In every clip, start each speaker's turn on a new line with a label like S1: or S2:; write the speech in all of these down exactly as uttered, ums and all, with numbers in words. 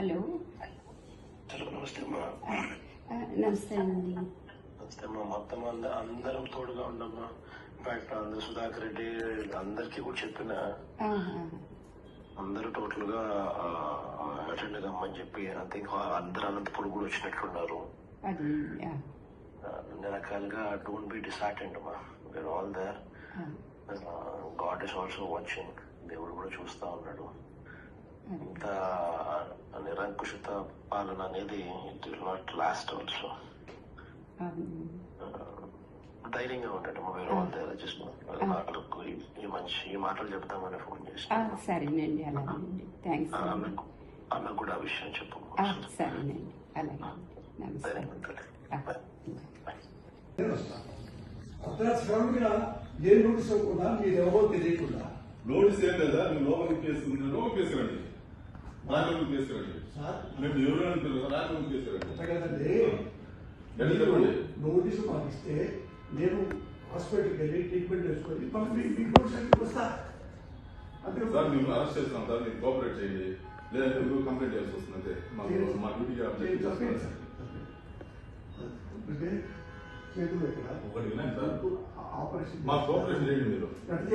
S1: Hello
S2: hello నమస్తే అమ్మా.
S1: నమస్తే అండి.
S2: నమస్తే అమ్మా. మొత్తం అంద అందరం తోడుగా ఉండమ్మా. ఇన్ఫాక్ట్ అందరు సుధాకర్ రెడ్డి అందరికీ కూడా చెప్పిన అందరూ టోటల్ గా అటెండ్ కమ్మని చెప్పి ఐ థింక్ అందరు అనంతపురం కూడా వచ్చినట్లున్నారు. అన్ని రకాలుగా డోంట్ బి డిసార్టెండ్ అమ్మా. We are all there. God is also watching. దేవుడు కూడా చూస్తా ఉన్నాడు. ఇంత నిరంకుశత పాలన అనేది it will not last also. ధైర్యంగా ఉంటాడు. వేరే వాళ్ళ దగ్గర జస్ట్ ఈ మంచి ఈ మాటలు చెప్తామని ఫోన్ చేసి.
S1: సరేనండి, అలాగేనండి. థ్యాంక్స్.
S2: ఆమెకు కూడా ఆ విషయం చెప్పు.
S1: సరేనండి, అలాగే.
S3: ఏ నోటీస్ ఇవ్వకుండా మీరు ఎవరో తెలియకుండా
S4: నోటీస్ ఏం లేదా? నువ్వు లోపలికి కేసుకుంటున్నాను కేసురండి, రాజలోకి కేసురండి. మేము ఎవరు అంటారు? రాజలోకి కేసురండి
S3: కదండి. నోటీసు మాకు ఇస్తే నేను హాస్పిటల్కి వెళ్ళి ట్రీట్మెంట్ చేసుకొని మీకు వస్తా. అంటే
S4: సార్ మేము అరెస్ట్ చేస్తున్నాం సార్, మీరు కోఆపరేట్ చేయండి, లేదంటే మీరు కంప్లైంట్ చేయాల్సి వస్తుంది. అంతే మా డ్యూటీ
S3: చేతులు ఎక్కడ
S4: ఒకటి వినండి సార్,
S3: ఆపరేషన్
S4: మా కోఆపరేషన్ చేయండి. మీరు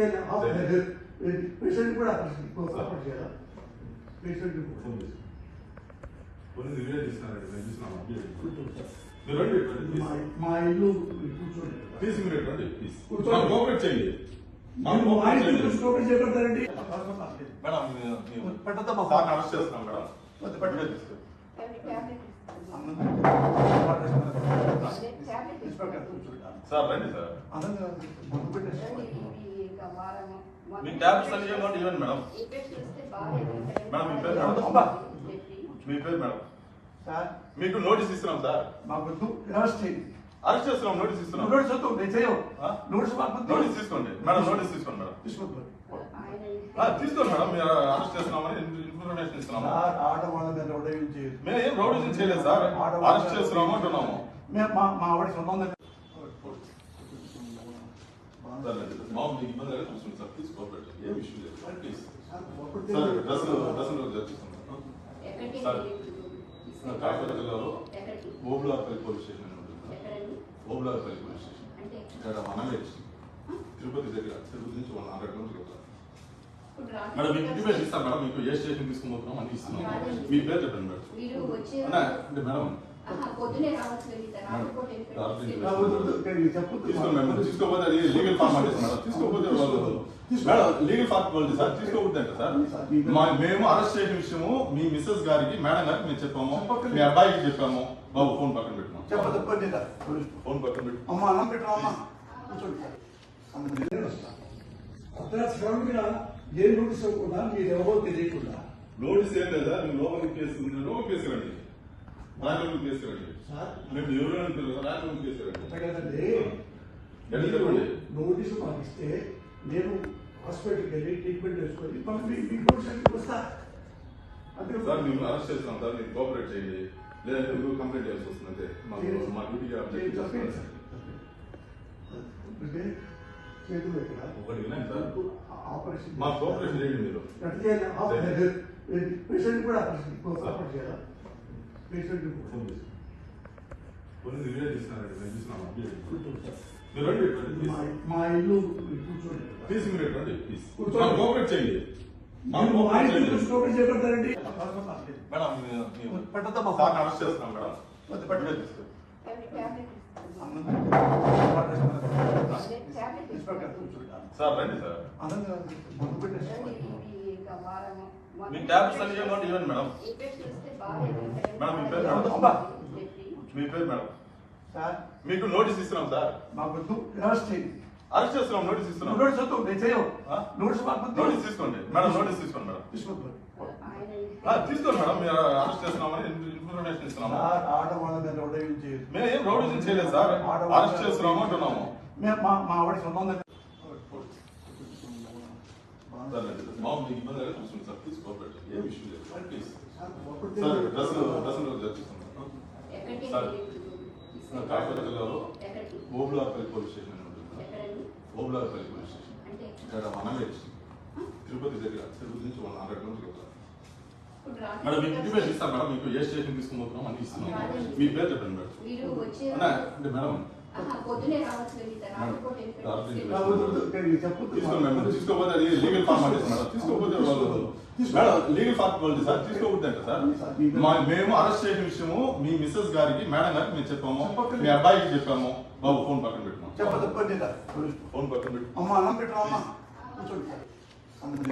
S3: పేషెంట్ కూడా ఆపరేషన్ చేయాలి. పేషెంట్
S4: కొన్ని రిలే తీసుకున్నారండి, మేము చూసినాము. మీరు రండి,
S3: మా ఇల్లు కూర్చోండి.
S4: ప్లీజ్ మీరు రండి, ప్లీజ్ కోఆపరేట్ చేయండి.
S3: చేపడతారండి
S4: మేడం పెట్టద్దామా సార్, అరెస్ట్ చేస్తున్నాం మేడం. సార్ రండి సార్, మీ ట్యాబ్లెట్స్ అన్ని ఇవ్వండి. ఇవ్వండి మేడం. మేడం మీ పేరు మేడం? మీ పేరు మేడం? మీకు నోటీస్ ఇస్తున్నాం సార్. అరెస్ట్ చేస్తున్నాం, నోటీస్ ఇస్తున్నాం. నోటీస్ తీసుకోండి మేడం, నోటీస్ తీసుకోండి మేడం. తీసుకోండి మేడం, మీరు అరెస్ట్ చేస్తున్నామని ఇన్ఫర్మేషన్ ఇస్తున్నాము. మేము ఏం రౌడీజం చేయలేదు సార్, అరెస్ట్ చేస్తున్నాము అంటున్నాము.
S3: మా ఆవిడ సొంతం
S4: మాకు మీకు ఇబ్బంది అయితే చూసుకోండి సార్, ప్లీజ్ కోఆపరేట్. ఏం ఇష్యూ లేదు సార్, ప్లీజ్ సార్. డ్రెస్సులు డ్రెస్సులు చర్చిస్తున్నాం సార్. కాకినాడ జిల్లాలో ఓబులార్పల్లి పోలీస్ స్టేషన్ అని ఉంటుంది. ఓబులార్పల్లి పోలీస్ స్టేషన్ ఇక్కడ మనవేజ్ తిరుపతి దగ్గర, తిరుపతి నుంచి వన్ హండ్రెడ్ కిలోమీటర్స్. మేడం మీకు ఇంటి పేరు ఇస్తాను మేడం, మీకు ఏ స్టేషన్ తీసుకుపోతున్నాం అని ఇస్తున్నాం. మీ పేరు చెప్పండి మేడం. అంటే మేడం తీసుకోపోతే అది లీగల్ ఫార్మాలిటీస్ మేడం. తీసుకోపోతే వాళ్ళు మేడం లీగల్ ఫార్మాలిటీ సార్, తీసుకోకపోతే అంటే సార్ మేము అరెస్ట్ చేసిన విషయము మీ మిస్సెస్ గారికి మేడం గారికి మేము చెప్పాము, మీ అబ్బాయికి చెప్పాము. బాబు ఫోన్ పక్కన పెట్టినాం, ఫోన్ పక్కన పెట్టి
S3: అమ్మా అన్నం పెట్టామా ఏ నోటీస్ ఇవ్వకుండా మీరు ఎవరో తెలియకుండా.
S4: నోటీస్ ఏం లేదా? నువ్వు లోపలికి కేసుకుంటున్నాను కేసురండి, రాజలోకి కేసురండి. మేము ఎవరు అంటారు? రాజలోకి కేసురండి
S3: కదండి. నోటీసు మాకు ఇస్తే నేను హాస్పిటల్కి వెళ్ళి ట్రీట్మెంట్ చేసుకొని మీకు వస్తా. అంటే
S4: సార్ మేము అరెస్ట్ చేస్తున్నాం సార్, మీరు కోఆపరేట్ చేయండి, లేదంటే మీరు కంప్లైంట్ చేయాల్సి వస్తుంది. అంతే మా డ్యూటీ
S3: చేతులు ఎక్కడ
S4: ఒకటి వినండి సార్,
S3: ఆపరేషన్
S4: మా కోఆపరేషన్ చేయండి. మీరు
S3: పేషెంట్ కూడా ఆపరేషన్ చేయాలి. పేషెంట్
S4: కొన్ని రిలే తీసుకున్నారండి, మేము చూసినాము. మీరు రండి,
S3: మా ఇల్లు కూర్చోండి.
S4: ప్లీజ్ మీరు రండి, ప్లీజ్ కోఆపరేట్ చేయండి.
S3: చేపడతారండి
S4: మేడం పెట్టద్దామా సార్, అరెస్ట్ చేస్తున్నాం మేడం. సార్ రండి సార్, మీ ట్యాబ్లెట్స్ అన్ని ఇవ్వండి. ఇవ్వండి మేడం. మేడం మీ పేరు మేడం? మీ పేరు మేడం? మీకు నోటీస్ ఇస్తున్నాం సార్. అరెస్ట్ చేస్తున్నాం, నోటీస్ ఇస్తున్నాం. నోటీస్ తీసుకోండి మేడం, నోటీస్ తీసుకోండి మేడం. తీసుకోండి మేడం, మీరు అరెస్ట్ చేస్తున్నామని ఇన్ఫర్మేషన్ ఇస్తున్నాము. మేము ఏం రౌడీజం చేయలేదు సార్, అరెస్ట్ చేస్తున్నాము అంటున్నాము.
S3: మా ఆవిడ సొంతం
S4: మాకు మీకు ఇబ్బంది అయితే చూసుకోండి సార్, ప్లీజ్ కోఆపరేట్. ఏం ఇష్యూ లేదు సార్, ప్లీజ్ సార్. డ్రెస్సులు డ్రెస్సులు చర్చిస్తున్నాం సార్. కాకినాడ జిల్లాలో ఓబులార్పల్లి పోలీస్ స్టేషన్ అని ఉంటుంది. ఓబులార్పల్లి పోలీస్ స్టేషన్ ఇక్కడ మనవేజ్ తిరుపతి దగ్గర, తిరుపతి నుంచి వన్ హండ్రెడ్ కిలోమీటర్స్. మేడం మీకు ఇంటిమేషన్ ఇస్తాను మేడం, మీకు ఏ స్టేషన్ తీసుకుని పోతున్నాం అని ఇస్తున్నాం. మీ పేరు చెప్పండి మేడం.
S5: మీరు వచ్చే
S4: అన్నా, అంటే మేడం
S5: ఆహా, పొద్దునే రావచ్చు వెళ్ళి రాకపోతే
S4: తీసుకోండి మేడం, తీసుకోకపోతే అది లీగల్ ఫార్మాలిటీస్ మేడం, తీసుకోకపోతే వాళ్ళు మేడం లీగల్ ఫార్మాలిటీ సార్, తీసుకోకపోతే అంటే సార్ మా మేము అరెస్ట్ చేసిన విషయము మీ మిస్సెస్ గారికి మేడం గారికి మేము చెప్పాము, మీ అబ్బాయికి చెప్పాము. బాబు ఫోన్ పక్కన పెట్టినాం,
S3: చెప్పదు
S4: ఫోన్ పక్కన పెట్టు.
S3: అమ్మ అన్నం పెట్టరా అమ్మ కూర్చోండి.